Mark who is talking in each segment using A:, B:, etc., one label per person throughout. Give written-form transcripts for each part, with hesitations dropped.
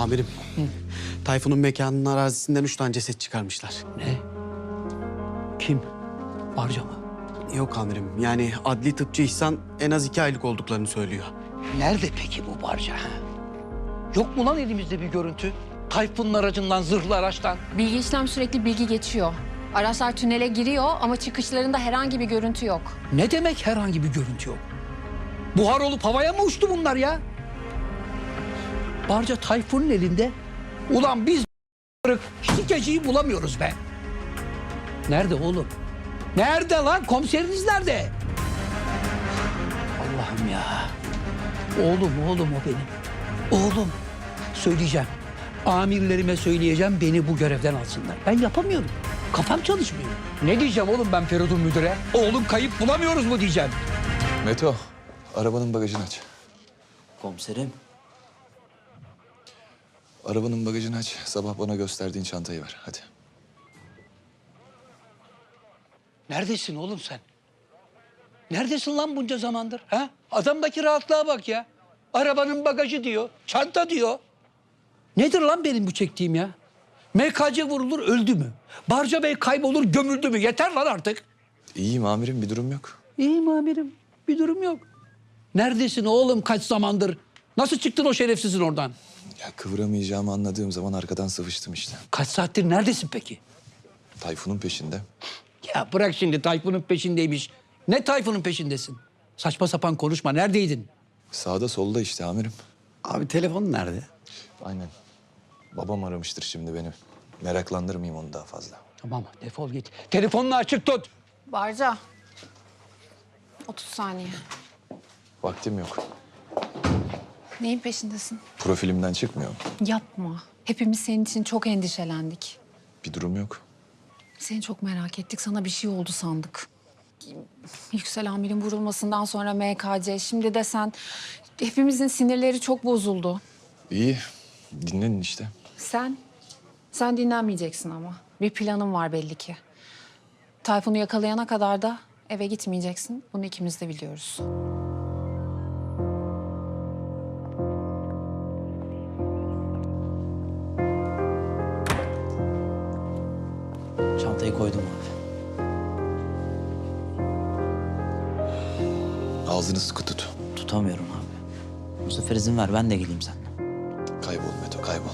A: Amirim, Tayfun'un mekanının arazisinden 3 tane ceset çıkarmışlar.
B: Ne? Kim? Barca mı?
A: Yok amirim, yani adli tıpçı İhsan en az 2 aylık olduklarını söylüyor.
B: Nerede peki bu Barca? Ha? Yok mu lan elimizde bir görüntü? Tayfun'un aracından, zırhlı araçtan.
C: Bilgi işlem sürekli bilgi geçiyor. Araçlar tünele giriyor ama çıkışlarında herhangi bir görüntü yok.
B: Ne demek herhangi bir görüntü yok? Buhar olup havaya mı uçtu bunlar ya? Barca Tayfun'un elinde. Ulan biz şikeciyi bulamıyoruz be. Nerede oğlum? Nerede lan? Komiseriniz nerede? Allah'ım ya. Oğlum o benim. Oğlum. Söyleyeceğim. Amirlerime söyleyeceğim, beni bu görevden alsınlar. Ben yapamıyorum. Kafam çalışmıyor. Ne diyeceğim oğlum ben Feridun müdüre? Oğlum kayıp bulamıyoruz mu diyeceğim.
D: Meto, arabanın bagajını aç.
E: Komiserim.
D: Arabanın bagajını aç. Sabah bana gösterdiğin çantayı ver. Hadi.
B: Neredesin oğlum sen? Neredesin lan bunca zamandır? Ha? Adamdaki rahatlığa bak ya. Arabanın bagajı diyor, çanta diyor. Nedir lan benim bu çektiğim ya? MKC vurulur öldü mü? Barca Bey kaybolur gömüldü mü? Yeter lan artık.
D: İyiyim amirim, bir durum yok.
B: İyiyim amirim, bir durum yok. Neredesin oğlum kaç zamandır? Nasıl çıktın o şerefsizin oradan?
D: Ya kıvıramayacağımı anladığım zaman arkadan sıvıştım işte.
B: Kaç saattir neredesin peki?
D: Tayfun'un peşinde.
B: Ya bırak şimdi Tayfun'un peşindeymiş. Ne Tayfun'un peşindesin? Saçma sapan konuşma. Neredeydin?
D: Sağda solda işte amirim.
A: Abi telefonun nerede?
D: Aynen. Babam aramıştır şimdi beni. Meraklandırmayayım onu daha fazla.
B: Tamam defol git. Telefonunu açık tut.
C: Barca. 30 saniye.
D: Vaktim yok.
C: Neyin peşindesin?
D: Profilimden çıkmıyor.
C: Yapma. Hepimiz senin için çok endişelendik.
D: Bir durum yok.
C: Seni çok merak ettik. Sana bir şey oldu sandık. Yüksel amirin vurulmasından sonra MKC. Şimdi de sen. Hepimizin sinirleri çok bozuldu.
D: İyi. Dinlenin işte.
C: Sen dinlenmeyeceksin ama. Bir planın var belli ki. Tayfun'u yakalayana kadar da eve gitmeyeceksin. Bunu ikimiz de biliyoruz.
E: Çantayı koydum abi.
D: Ağzını sıkı tut.
E: Tutamıyorum abi. Bu sefer izin ver ben de geleyim seninle.
D: Kaybol Meto, kaybol.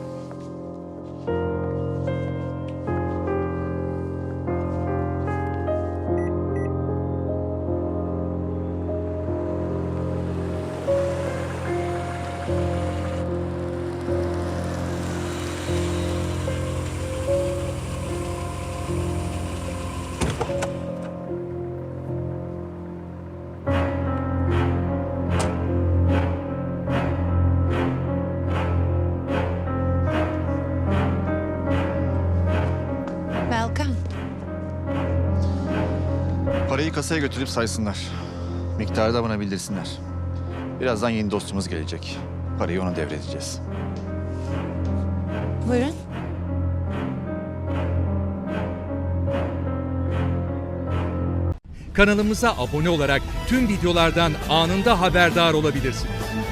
C: Welcome.
F: Parayı kasaya götürüp saysınlar. Miktarı da bana bildirsinler. Birazdan yeni dostumuz gelecek. Parayı ona devredeceğiz.
C: Buyurun.
G: Kanalımıza abone olarak tüm videolardan anında haberdar olabilirsiniz.